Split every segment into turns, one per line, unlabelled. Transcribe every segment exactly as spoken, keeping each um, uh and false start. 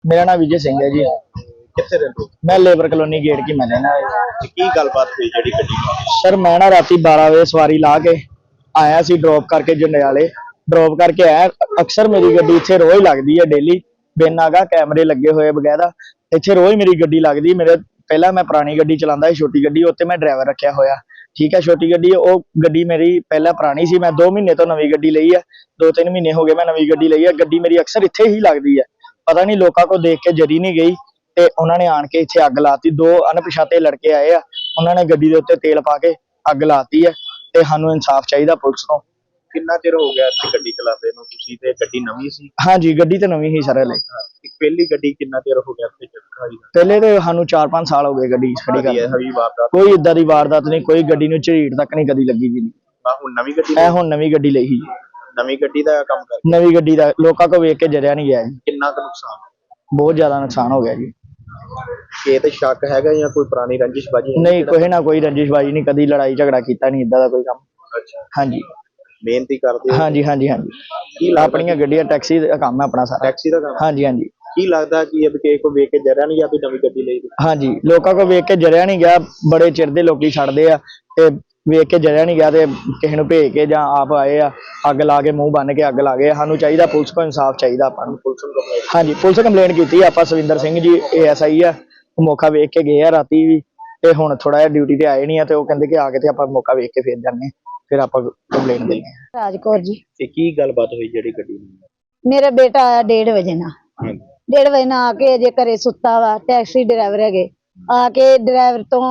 मेरा नाम विजय सिंह है जी।
कितने रहते हो?
मैं लेबर कॉलोनी गेट की मैं रहना है।
की गलबात हुई जी गड्डी
सर मैं ना राती बारह बजे सवारी ला के आया सी ड्रॉप करके जंडियाले ड्रॉप करके आया। अक्सर मेरी गड्डी इत्थे रोज लगदी है डेली बिन आगा कैमरे लगे हुए बगैरा इत्थे रोज मेरी गड्डी लगदी। मेरे पहला मैं पुरानी गड्डी चलांदा सी छोटी गड्डी उत्ते मैं ड्राइवर रखा होया ठीक है। छोटी गड्डी वो गड्डी मेरी पहला पुरानी सी मैं दो महीने तो नवी गड्डी लई है दो तीन महीने हो गए मैं नवी गड्डी लई है। गड्डी मेरी अक्सर इत्थे ही लगदी है पता नहीं लोगों को देख के जरी नहीं गई ਤੇ ਉਹਨਾਂ ਨੇ ਆਣ ਕੇ ਇੱਥੇ ਅੱਗ ਲਾਤੀ। ਦੋ ਅਣਪਛਾਤੇ ਲੜਕੇ ਆਏ ਆ ਉਹਨਾਂ ਨੇ ਗੱਡੀ ਦੇ ਉੱਤੇ ਤੇਲ ਪਾ ਕੇ ਅੱਗ ਲਾਤੀ ਹੈ ਤੇ ਸਾਨੂੰ ਇਨਸਾਫ ਚਾਹੀਦਾ ਪੁਲਿਸ ਤੋਂ।
ਕਿੰਨਾ ਚਿਰ ਹੋ ਗਿਆ ਇੱਥੇ ਗੱਡੀ ਚਲਾਉਂਦੇ ਨੂੰ ਤੁਸੀਂ ਤੇ ਗੱਡੀ ਨਵੀਂ ਸੀ?
ਹਾਂਜੀ ਗੱਡੀ ਤਾਂ ਨਵੀਂ ਹੀ ਸਰ ਹਲੇ।
ਪਹਿਲੀ ਗੱਡੀ ਕਿੰਨਾ ਚਿਰ ਹੋ ਗਿਆ ਇੱਥੇ ਖੜੀ?
ਪਹਿਲੇ ਤੇ ਸਾਨੂੰ ਚਾਰ ਪੰਜ ਸਾਲ ਹੋ ਗਏ ਗੱਡੀ ਖੜੀ ਕਰਦੇ।
ਹਵੀ ਵਾਰਦਾਤ
ਕੋਈ ਇਦਾਂ ਦੀ ਵਾਰਦਾਤ ਨਹੀਂ ਕੋਈ ਗੱਡੀ ਨੂੰ ਝਰੀਟ ਤੱਕ ਨਹੀਂ ਕਦੀ ਲੱਗੀ ਜੀ।
ਆ ਹੁਣ ਨਵੀਂ ਗੱਡੀ
ਇਹ ਹੁਣ ਨਵੀਂ ਗੱਡੀ ਲਈ ਸੀ।
ਨਵੀਂ ਗੱਡੀ ਦਾ ਕੰਮ ਕਰ
ਨਵੀਂ ਗੱਡੀ ਦਾ ਲੋਕਾਂ ਕੋ ਵੇਖ ਕੇ ਜਰਿਆ ਨਹੀਂ ਗਿਆ ਜੀ।
ਕਿੰਨਾ ਕੁ ਨੁਕਸਾਨ?
ਬਹੁਤ ਜ਼ਿਆਦਾ ਨੁਕਸਾਨ ਹੋ ਗਿਆ ਜੀ।
ਇਹ ਤੇ ਸ਼ੱਕ ਹੈਗਾ ਜਾਂ ਕੋਈ ਪੁਰਾਣੀ ਰੰਜਿਸ਼ਬਾਜੀ?
ਨਹੀਂ ਕੋਈ ਨਾ ਕੋਈ ਰੰਜਿਸ਼ਬਾਜੀ ਨਹੀਂ ਕਦੀ ਲੜਾਈ ਝਗੜਾ ਕੀਤਾ ਨਹੀਂ ਇਦਾਂ ਦਾ ਕੋਈ ਕੰਮ।
ਅੱਛਾ
ਹਾਂਜੀ
ਮਿਹਨਤੀ ਕਰਦੇ ਹੋ?
ਹਾਂਜੀ ਹਾਂਜੀ ਹਾਂਜੀ ਆਪਣੀਆਂ ਗੱਡੀਆਂ ਟੈਕਸੀ ਦਾ ਕੰਮ ਹੈ ਆਪਣਾ ਸਾਰਾ।
ਟੈਕਸੀ ਦਾ ਕੰਮ?
ਹਾਂਜੀ ਹਾਂਜੀ।
ਕੀ ਲੱਗਦਾ ਕਿ ਇਹ ਕਿਸੇ ਕੋ ਵੇਖ ਕੇ ਜਰਿਆ ਨਹੀਂ ਜਾਂ ਕੋਈ ਨਵੀਂ ਗੱਡੀ ਲਈ?
ਹਾਂਜੀ ਲੋਕਾਂ ਕੋ ਵੇਖ ਕੇ ਜਰਿਆ ਨਹੀਂ ਗਿਆ ਬੜੇ ਚਿਰ ਦੇ ਲੋਕੀ ਛੱਡਦੇ ਆ ਤੇ ਵੇਖ ਕੇ ਜਰਿਆ ਨਹੀਂ ਗਿਆ ਤੇ ਕਿਸੇ ਨੂੰ ਭੇਜ ਕੇ ਜਾਂ ਆਪ ਆਏ ਆ ਅੱਗ ਲਾ ਕੇ ਮੂੰਹ ਬੰਨ ਕੇ ਅੱਗ ਲਾ ਗਏ। ਸਾਨੂੰ ਚਾਹੀਦਾ ਪੁਲਿਸ ਕੋ ਇਨਸਾਫ ਚਾਹੀਦਾ ਆਪਾਂ ਨੂੰ।
ਪੁਲਿਸ ਨੂੰ ਕੰਪਲੇਂਟ?
ਹਾਂਜੀ ਪੁਲਿਸ ਕੰਪਲੇਂਟ ਕੀਤੀ ਆਪਾਂ ਸਵਿੰਦਰ ਸਿੰਘ ਜੀ ਏ ਐਸ ਆਈ ਆ ਮੌਕਾ ਵੇਖ ਕੇ ਗਏ ਆ ਰਾਤੀ ਵੀ ਤੇ ਹੁਣ ਥੋੜਾ ਜਿਹਾ ਡਿਊਟੀ ਤੇ ਆਏ ਨਹੀਂ ਆ ਤੇ ਉਹ ਕਹਿੰਦੇ ਕਿ ਆ ਕੇ ਤੇ ਆਪਾਂ ਮੌਕਾ ਵੇਖ ਕੇ ਫੇਰ ਜਾਂਦੇ ਫਿਰ ਆਪਾਂ ਕੰਪਲੇਂਟ ਦਿੰਦੇ ਆ।
ਰਾਜਕੌਰ ਜੀ।
ਤੇ ਕੀ ਗੱਲਬਾਤ ਹੋਈ ਜਿਹੜੀ ਗੱਡੀ ਨੂੰ?
ਮੇਰਾ ਬੇਟਾ ਆਇਆ ਡੇਢ ਵਜੇ ਨਾਲ ਡੇਢ ਵਜੇ ਨਾਲ ਆ ਕੇ ਅਜੇ ਘਰੇ ਸੁੱਤਾ ਵਾ। ਟੈਕਸੀ ਡਰਾਈਵਰ ਹੈਗੇ ਆ ਕੇ ਡਰਾਈਵਰ ਤੋਂ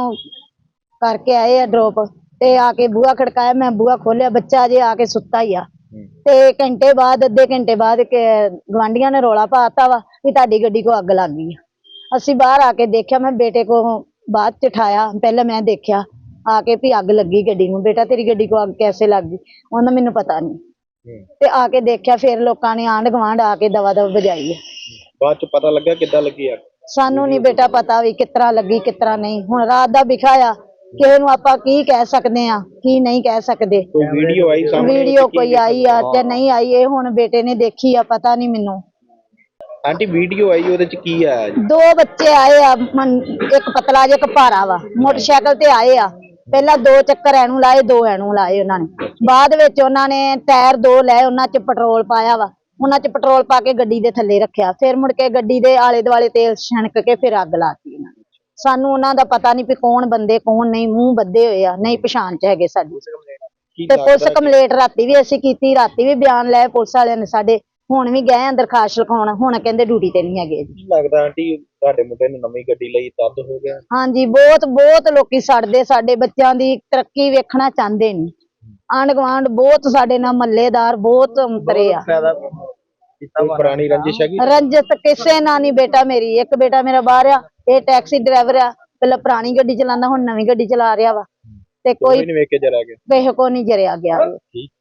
ਕਰਕੇ ਆਏ ਆ ਡ੍ਰੌਪ ਤੇ ਆ ਕੇ ਬੂਹਾ ਖੜਕਾਇਆ ਮੈਂ ਬੂਹਾ ਖੋਲਿਆ ਬੱਚਾ ਅਜੇ ਆ ਕੇ ਸੁੱਤਾ ਹੀ ਆ ਤੇ ਘੰਟੇ ਬਾਅਦ ਅੱਧੇ ਘੰਟੇ ਬਾਅਦ ਗਵਾਂਢੀਆਂ ਨੇ ਰੌਲਾ ਪਾਤਾ ਵਾ ਵੀ ਤੁਹਾਡੀ ਗੱਡੀ ਕੋ ਅੱਗ ਲੱਗ ਗਈ ਆ। ਅਸੀਂ ਬਾਹਰ ਆ ਕੇ ਦੇਖਿਆ ਮੈਂ ਬੇਟੇ ਕੋ ਬਾਅਦ ਚ ਉਠਾਇਆ ਪਹਿਲਾਂ ਮੈਂ ਦੇਖਿਆ ਆ ਕੇ ਵੀ ਅੱਗ ਲੱਗੀ ਗੱਡੀ ਨੂੰ। ਬੇਟਾ ਤੇਰੀ ਗੱਡੀ ਕੋ ਅੱਗ कैसे ਲੱਗ गई? ਉਹਨਾਂ ਮੈਨੂੰ ਪਤਾ ਨਹੀਂ ਤੇ ਆ ਕੇ ਦੇਖਿਆ ਫਿਰ ਲੋਕਾਂ ਨੇ ਆਂਢ ਗਵਾਂਢ ਆ ਕੇ ਦਵਾ ਦਵ ਵਜਾਈ ਹੈ।
ਬਾਅਦ ਚ ਪਤਾ ਲੱਗਾ ਕਿੱਦਾਂ ਲੱਗੀ ਅੱਗ?
ਸਾਨੂੰ ਨਹੀਂ ਬੇਟਾ ਪਤਾ ਵੀ ਕਿਤਰਾ ਲੱਗੀ ਕਿਤਰਾ ਨਹੀਂ। ਹੁਣ ਰਾਤ ਦਾ ਵਿਖਾਇਆ ਕਿਸੇ ਨੂੰ ਆਪਾਂ ਕੀ ਕਹਿ ਸਕਦੇ ਆ ਕੀ ਨਹੀਂ ਕਹਿ ਸਕਦੇ।
ਕੋਈ ਵੀਡੀਓ ਆਈ ਸਾਹਮਣੇ?
ਵੀਡੀਓ ਕੋਈ ਆਈ ਆ ਤੇ ਨਹੀਂ ਆਈ ਇਹ ਹੁਣ ਬੇਟੇ ਨੇ ਦੇਖੀ ਆ ਪਤਾ ਨਹੀਂ ਮੈਨੂੰ।
ਆਂਟੀ ਵੀਡੀਓ ਆਈ ਉਹਦੇ ਚ ਕੀ ਆਇਆ ਜੀ?
ਦੋ ਬੱਚੇ ਆਏ ਆ ਇੱਕ ਪਤਲਾ ਜਿਹਾ ਇੱਕ ਭਾਰਾ ਵਾ ਮੋਟਰਸਾਈਕਲ ਤੇ ਆਏ ਆ। ਪਹਿਲਾਂ ਦੋ ਚੱਕਰ ਐਨੂੰ ਲਾਏ ਦੋ ਐਨੂੰ ਲਾਏ ਉਹਨਾਂ ਨੇ। ਬਾਅਦ ਵਿੱਚ ਉਹਨਾਂ ਨੇ ਟਾਇਰ ਦੋ ਲਏ ਉਹਨਾਂ ਚ ਪੈਟਰੋਲ ਪਾਇਆ ਵਾ ਉਹਨਾਂ ਚ ਪੈਟਰੋਲ ਪਾ ਕੇ ਗੱਡੀ ਦੇ ਥੱਲੇ ਰੱਖਿਆ ਫਿਰ ਮੁੜ ਕੇ ਗੱਡੀ ਦੇ ਆਲੇ ਦੁਆਲੇ ਤੇਲ ਛਣਕ ਕੇ ਫਿਰ ਅੱਗ ਲਾਤੀ ਇਹਨਾਂ ਨੇ। ਸਾਨੂੰ ਉਹਨਾਂ ਦਾ ਪਤਾ ਨਹੀਂ ਵੀ ਕੌਣ ਬੰਦੇ ਕੌਣ ਨਹੀਂ ਮੂੰਹ ਬੱਧੇ ਹੋਏ ਆ ਨਹੀਂ ਪਛਾਣ ਚ ਹੈਗੇ ਸਾਡੀ। ਤੇ ਪੁਲਿਸ ਕੰਪਲੇਂਟ ਰਾਤੀ ਵੀ ਅਸੀਂ ਕੀਤੀ ਰਾਤੀ ਵੀ ਬਿਆਨ ਲਏ ਪੁਲਿਸ ਵਾਲਿਆਂ ਨੇ ਸਾਡੇ। ਹੁਣ ਵੀ ਗਏ ਅੰਦਰ ਦਰਖਾਸਤ ਲਿਖਾਉਣ ਹੁਣ ਕਹਿੰਦੇ ਡਿਊਟੀ ਤੇ ਨਹੀਂ ਹੈਗੇ ਜੀ।
ਲੱਗਦਾ ਆਂਟੀ ਤੁਹਾਡੇ ਮੁੰਡੇ ਨੇ ਨਵੀਂ ਗੱਡੀ ਲਈ ਤਦ ਹੋ ਗਿਆ?
ਹਾਂਜੀ ਬਹੁਤ ਬਹੁਤ ਲੋਕੀ ਸੜਦੇ ਸਾਡੇ ਬੱਚਿਆਂ ਦੀ ਤਰੱਕੀ ਵੇਖਣਾ ਚਾਹੁੰਦੇ ਨਹੀਂ। ਆਂਢ ਗੁਆਂਢ ਬਹੁਤ ਸਾਡੇ ਨਾਲ ਮੱਲੇਦਾਰ ਬਹੁਤ ਅੰਤਰੇ ਆ।
ਕੋਈ ਪੁਰਾਣੀ ਰੰਜਿਸ਼ ਹੈਗੀ?
ਰੰਜਿਤ ਕਿਸੇ ਨਾਲ ਨਹੀਂ। ਬੇਟਾ ਮੇਰੀ ਇੱਕ ਬੇਟਾ ਮੇਰਾ ਬਾਹਰ ਆ ਇਹ ਟੈਕਸੀ ਡਰਾਈਵਰ ਆ ਪਹਿਲਾਂ ਪੁਰਾਣੀ ਗੱਡੀ ਚਲਾਉਂਦਾ ਹੁਣ ਨਵੀਂ ਗੱਡੀ ਚਲਾ ਰਿਹਾ ਵਾ ਤੇ ਕੋਈ
ਨਹੀਂ ਵੇਖ ਕੇ ਜਰਾ ਗਿਆ
ਕਿਸੇ ਕੋ ਨਹੀਂ ਜਰਿਆ ਗਿਆ।